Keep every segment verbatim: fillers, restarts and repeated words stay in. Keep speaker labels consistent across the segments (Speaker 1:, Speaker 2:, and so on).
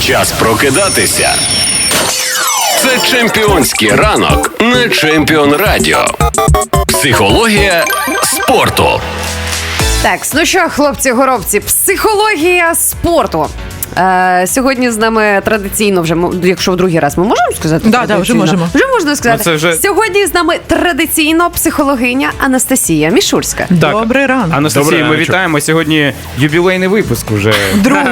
Speaker 1: Час прокидатися. Це чемпіонський ранок на Чемпіон Радіо. Психологія спорту.
Speaker 2: Так, ну що, хлопці-горобці, психологія спорту. Е, сьогодні з нами традиційно вже, якщо в другий раз ми можемо сказати?
Speaker 3: Да, да, вже можемо.
Speaker 2: Вже можна сказати.
Speaker 4: Ну, вже...
Speaker 2: Сьогодні з нами традиційно психологиня Анастасія Мішурська.
Speaker 4: Так.
Speaker 3: Добрий ранок.
Speaker 4: Анастасія,
Speaker 5: Добрий
Speaker 4: ми
Speaker 5: раночок.
Speaker 4: вітаємо. Сьогодні ювілейний випуск уже.
Speaker 3: Другий.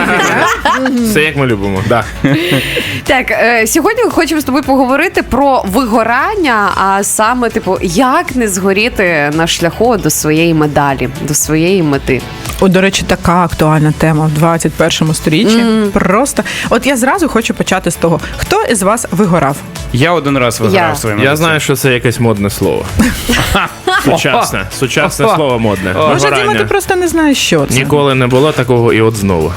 Speaker 5: Все як ми любимо. Да.
Speaker 2: Так, е, сьогодні хочемо з тобою поговорити про вигорання, а саме, типу, як не згоріти на шляху до своєї медалі, до своєї мети.
Speaker 3: О, до речі, така актуальна тема в двадцять першому сторіччі. Mm. Просто. От я зразу хочу почати з того, хто із вас вигорав?
Speaker 4: Я один раз виграв
Speaker 2: Я.
Speaker 4: своїм.
Speaker 5: Я знаю, що це якесь модне слово. Сучасне. Сучасне
Speaker 4: О.
Speaker 5: слово модне.
Speaker 4: О.
Speaker 3: Може, Діма,
Speaker 5: Вигорання.
Speaker 3: ти просто не знаєш, що це.
Speaker 5: Ніколи не було такого, і от знову.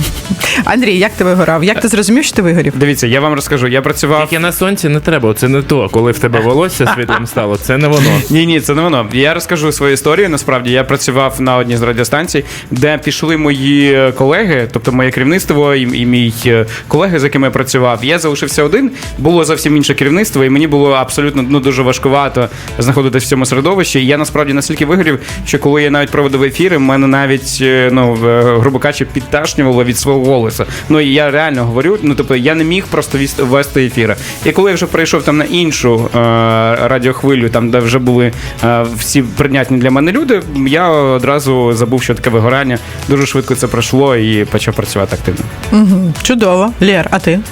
Speaker 3: Андрій, як ти вигорав? Як ти зрозумів, що ти вигорів?
Speaker 4: Дивіться, я вам розкажу. Я працював...
Speaker 5: Тільки на сонці не треба, це не то. Коли в тебе волосся світлим стало, це не воно.
Speaker 4: Ні, ні, це не воно. Я розкажу свою історію. Насправді, я працював на одній з радіостанцій, де пішли мої колеги, тобто моє керівництво і, і мій колеги, з якими я працював. Я залишився один, було зовсім інше керівництво, і мені було абсолютно ну, дуже важкувато знаходитися в цьому середовищі. І я насправді настільки вигорів, що коли я навіть проводив ефіри, мене навіть, ну, грубо кажучи, підташнювало від свого голосу. Ну, і я реально говорю, ну, тобто, я не міг просто вести ефіри. І коли я вже перейшов там на іншу е, радіохвилю, там, де вже були е, всі прийнятні для мене люди, я одразу забув, що таке вигорання. Дуже швидко це пройшло і почав працювати активно.
Speaker 3: Угу. Чудово. Лєр, а ти?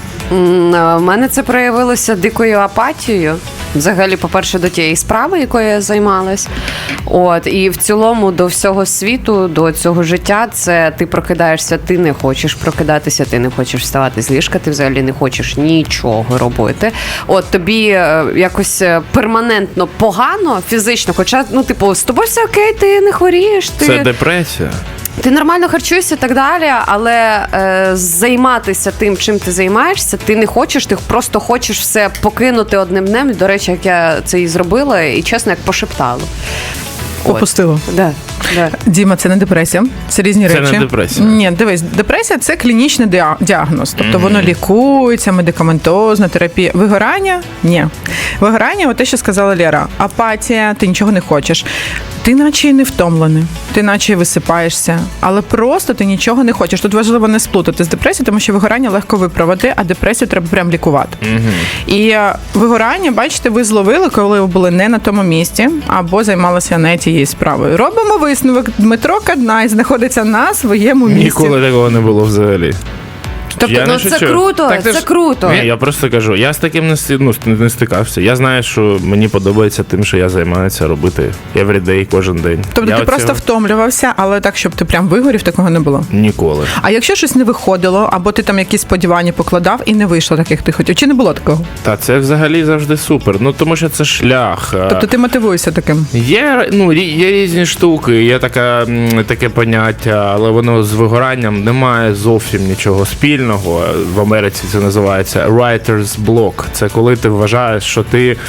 Speaker 2: У мене це проявилося дикою апатією. Взагалі, по-перше, до тієї справи, якою я займалась. От, і в цілому до всього світу, до цього життя, це ти прокидаєшся, ти не хочеш прокидатися, ти не хочеш вставати з ліжка, ти взагалі не хочеш нічого робити. От, тобі е, якось перманентно погано фізично, хоча, ну, типу, з тобою все окей, ти не хворієш. Ти...
Speaker 5: Це депресія.
Speaker 2: Ти нормально харчуєшся і так далі, але е, займатися тим, чим ти займаєшся, ти не хочеш, ти просто хочеш все покинути одним днем. До речі, як я це і зробила, і чесно, як пошептало.
Speaker 3: Попустило.
Speaker 2: Да, да.
Speaker 3: Діма, це не депресія, це різні
Speaker 5: Це
Speaker 3: речі.
Speaker 5: не депресія.
Speaker 3: Ні, дивись, депресія – це клінічний діа- діагноз. Тобто mm-hmm. воно лікується, медикаментозна терапія. Вигорання – ні. Вигорання – от те, що сказала Лєра. Апатія, ти нічого не хочеш. Ти наче і не втомлений, ти наче і висипаєшся, але просто ти нічого не хочеш. Тут важливо не сплутати з депресією, тому що вигорання легко виправити, а депресію треба прям лікувати. Mm-hmm. І вигорання, бачите, ви зловили, коли ви були не на тому місці, або займалися не тією справою. Робимо висновок. Дмитро Каднай знаходиться на своєму місці.
Speaker 5: Ніколи такого не було взагалі.
Speaker 2: Тобто,
Speaker 5: Я
Speaker 2: ну
Speaker 5: не
Speaker 2: це
Speaker 5: шучу.
Speaker 2: круто,
Speaker 4: Так ти
Speaker 2: це
Speaker 4: ж-
Speaker 2: круто.
Speaker 5: Ні, я просто кажу, я з таким не, сти- ну, не стикався. Я знаю, що мені подобається тим, що я займаюся робити everyday, кожен день.
Speaker 3: Тобто
Speaker 5: я
Speaker 3: ти просто
Speaker 5: оцього
Speaker 3: втомлювався, але так, щоб ти прям вигорів, такого не було.
Speaker 5: Ніколи.
Speaker 3: А якщо щось не виходило, або ти там якісь сподівання покладав і не вийшло так, як ти хотів, чи не було такого?
Speaker 5: Та це взагалі завжди супер. Ну, тому що це шлях. А,
Speaker 3: Тобто ти мотивуєшся таким?
Speaker 5: Є, ну, рі- є різні штуки, є така, м, таке поняття, але воно з вигоранням не має зовсім нічого спільного. В Америці це називається writer's block. Це коли ти вважаєш, що ти е,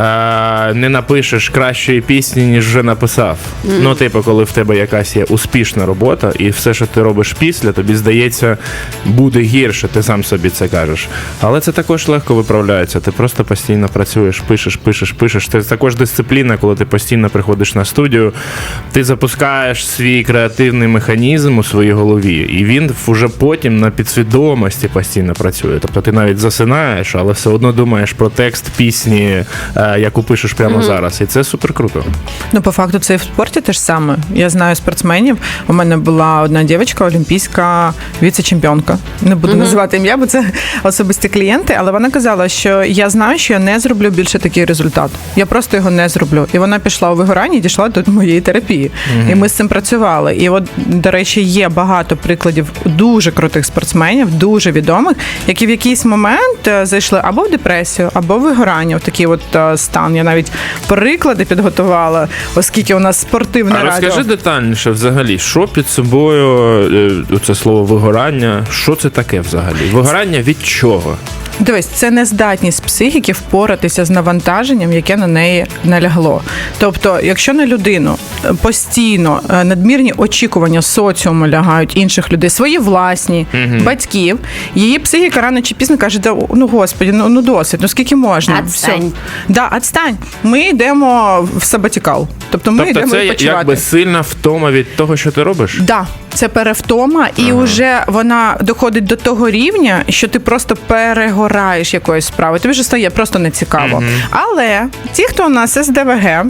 Speaker 5: не напишеш кращої пісні, ніж вже написав. Mm. Ну, типу, коли в тебе якась є успішна робота, і все, що ти робиш після, тобі здається, буде гірше, ти сам собі це кажеш. Але це також легко виправляється. Ти просто постійно працюєш, пишеш, пишеш, пишеш. Це також дисципліна, коли ти постійно приходиш на студію, ти запускаєш свій креативний механізм у своїй голові, і він вже потім на підсвідомості постійно працює. Тобто ти навіть засинаєш, але все одно думаєш про текст пісні, е, яку пишеш прямо mm-hmm. зараз. І це супер круто.
Speaker 3: Ну, по факту, це і в спорті те ж саме. Я знаю спортсменів. У мене була одна дівчинка, олімпійська віце-чемпіонка. Не буду mm-hmm. називати ім'я, бо це особисті клієнти, але вона казала, що я знаю, що я не зроблю більше такий результат. Я просто його не зроблю. І вона пішла у вигорання і дійшла до моєї терапії. Mm-hmm. І ми з цим працювали. І от, до речі, є багато прикладів дуже крутих спортсменів, дуже відомих, які в якийсь момент зайшли або в депресію, або в вигорання, в такий от стан. Я навіть приклади підготувала, оскільки у нас спортивне
Speaker 5: а
Speaker 3: радіо.
Speaker 5: Розкажи детальніше взагалі, що під собою, це слово вигорання, що це таке взагалі? Вигорання від чого?
Speaker 3: Дивись, це нездатність психіки впоратися з навантаженням, яке на неї налягло. Тобто, якщо на людину постійно е, надмірні очікування соціуму лягають інших людей, свої власні, угу. батьків, її психіка рано чи пізно каже, да, ну господи, ну, ну досить, ну скільки можна?
Speaker 2: Отстань.
Speaker 3: Все. Да, отстань. Ми йдемо в сабатікал. Тобто ми
Speaker 5: Тобто
Speaker 3: йдемо
Speaker 5: це
Speaker 3: відпочивати.
Speaker 5: якби сильна втома від того, що ти робиш?
Speaker 3: Да, це перевтома, і
Speaker 5: Ага.
Speaker 3: вже вона доходить до того рівня, що ти просто перегораєш якоюсь справою. Тобі вже стає просто нецікаво.
Speaker 5: Мгм.
Speaker 3: Але ті, хто у нас ес де ве ге,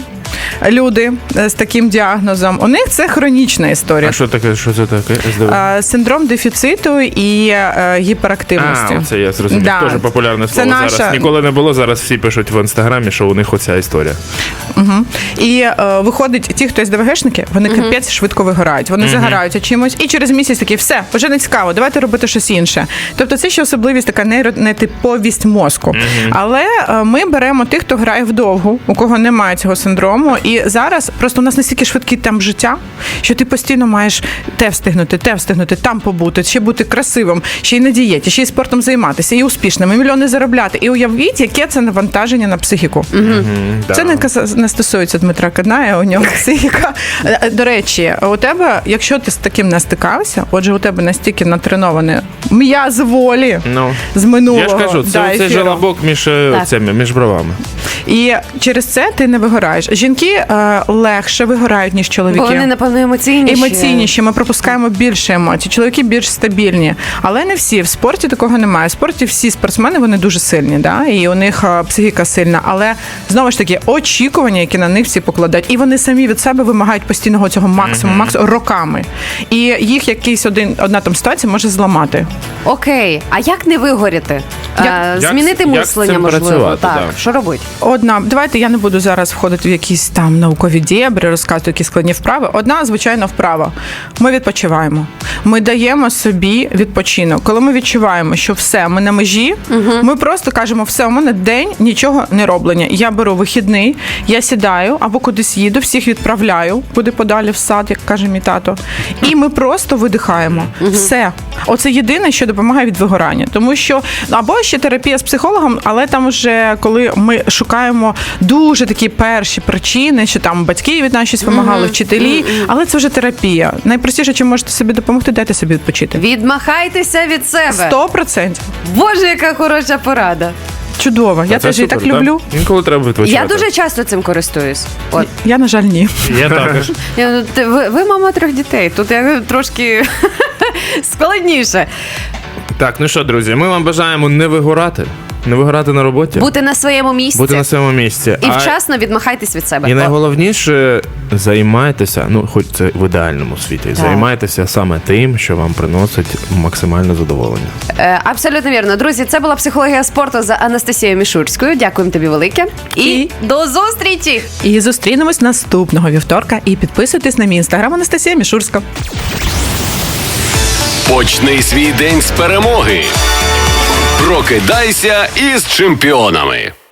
Speaker 3: люди з таким діагнозом, у них це хронічна історія.
Speaker 5: А що таке? Що це таке? ес де ве ге?
Speaker 3: А, Синдром дефіциту і е, гіперактивності.
Speaker 5: А, це я зрозумів.
Speaker 3: Да.
Speaker 5: Дуже популярне
Speaker 3: Це
Speaker 5: слово
Speaker 3: наша-
Speaker 5: зараз. Ніколи не було, зараз всі пишуть в інстаграмі, що у них оця історія.
Speaker 3: Угу. І е, виходить, ті, хто ес де ве гешники, вони uh-huh. капець швидко вигорають. Вони uh-huh. загораються чимось, і через місяць такі, все, вже не цікаво, давайте робити щось інше. Тобто це ще особливість, така нейронетиповість мозку. Uh-huh. Але е, ми беремо тих, хто грає вдовгу, у кого немає цього синдрому. І зараз просто у нас настільки швидкий темп життя, що ти постійно маєш те встигнути, те встигнути, там побути, ще бути красивим, ще й на дієті, ще й спортом займатися, і успішним, і мільйони заробляти. І уявіть, яке це навантаження на психіку. Uh-huh.
Speaker 5: Uh-huh.
Speaker 3: Це не, каса- не стосується Дмитра Кадная, у нього психіка. До речі, у тебе, якщо ти з таким не стикався, отже, у тебе настільки натренований м'яз волі
Speaker 5: Ну,
Speaker 3: з минулого.
Speaker 5: я ж кажу, це
Speaker 3: да,
Speaker 5: цей
Speaker 3: ефіру.
Speaker 5: желобок між, е, цими, між бровами.
Speaker 3: І через це ти не вигораєш. Жінки е, легше вигорають, ніж чоловіки.
Speaker 2: Бо вони, напевно, емоційніші.
Speaker 3: Емоційніші, ми пропускаємо більше емоцій. Чоловіки більш стабільні. Але не всі. В спорті такого немає. В спорті всі спортсмени, вони дуже сильні, да? І у них е, психіка сильна. Але, знову ж таки, очікування, які на них всі покладають. І вони самі від себе вимагають постійного цього максимуму, максимуму роками. І їх якийсь один, одна там ситуація може зламати.
Speaker 2: Окей, а як не вигоріти?
Speaker 3: Як-
Speaker 2: Е,
Speaker 5: як
Speaker 2: Змінити
Speaker 5: з- як з
Speaker 2: мислення,
Speaker 5: цим
Speaker 2: можливо.
Speaker 5: працювати,
Speaker 2: Так,
Speaker 5: да.
Speaker 2: що робити?
Speaker 3: Одна, давайте я не буду зараз входити в якісь там наукові дєбри, розказувати які складні вправи. Одна звичайна вправа. Ми відпочиваємо. Ми даємо собі відпочинок. Коли ми відчуваємо, що все, ми на межі, угу. ми просто кажемо, все, у мене день нічого не роблення. Я беру вихідний, я сідаю або кудись їду, всіх відправляю, куди подалі в сад, як каже мій тато. І ми просто видихаємо. Угу. Все. Оце єдине, що допомагає від вигорання. Тому що, або ще терапія з психологом, але там вже, коли ми шукаємо дуже такі перші причини, що там батьки від нас щось вимагали, mm-hmm. вчителі, mm-hmm. але це вже терапія. Найпростіше, чим можете собі допомогти, дайте собі відпочити.
Speaker 2: Відмахайтеся від себе.
Speaker 3: Сто процентів.
Speaker 2: Боже, яка хороша порада.
Speaker 3: Чудово. Я
Speaker 5: Це
Speaker 3: теж її так
Speaker 5: супер,
Speaker 3: люблю.
Speaker 5: Да? Інколи треба відпочивати.
Speaker 2: Я дуже часто цим користуюсь. От.
Speaker 3: Я, на жаль, ні.
Speaker 5: Я також.
Speaker 2: Я, ну, ти- ви, ви мама трьох дітей, тут я трошки складніше.
Speaker 5: Так, ну що, друзі, ми вам бажаємо не вигорати, не вигорати на роботі,
Speaker 2: Бути на своєму місці.
Speaker 5: бути на своєму місці.
Speaker 2: І
Speaker 5: А-
Speaker 2: вчасно відмахайтесь від себе.
Speaker 5: І
Speaker 2: О,
Speaker 5: найголовніше, займайтеся, ну хоч це в ідеальному світі, займайтеся саме тим, що вам приносить максимальне задоволення.
Speaker 2: е, абсолютно вірно. Друзі, це була психологія спорту за Анастасією Мішурською. Дякуємо тобі велике. І,
Speaker 3: І-
Speaker 2: до зустрічі!
Speaker 3: І зустрінемось наступного вівторка. І підписуйтесь на мій інстаграм Анастасія Мішурська.
Speaker 1: Почни свій день з перемоги. Прокидайся із чемпіонами.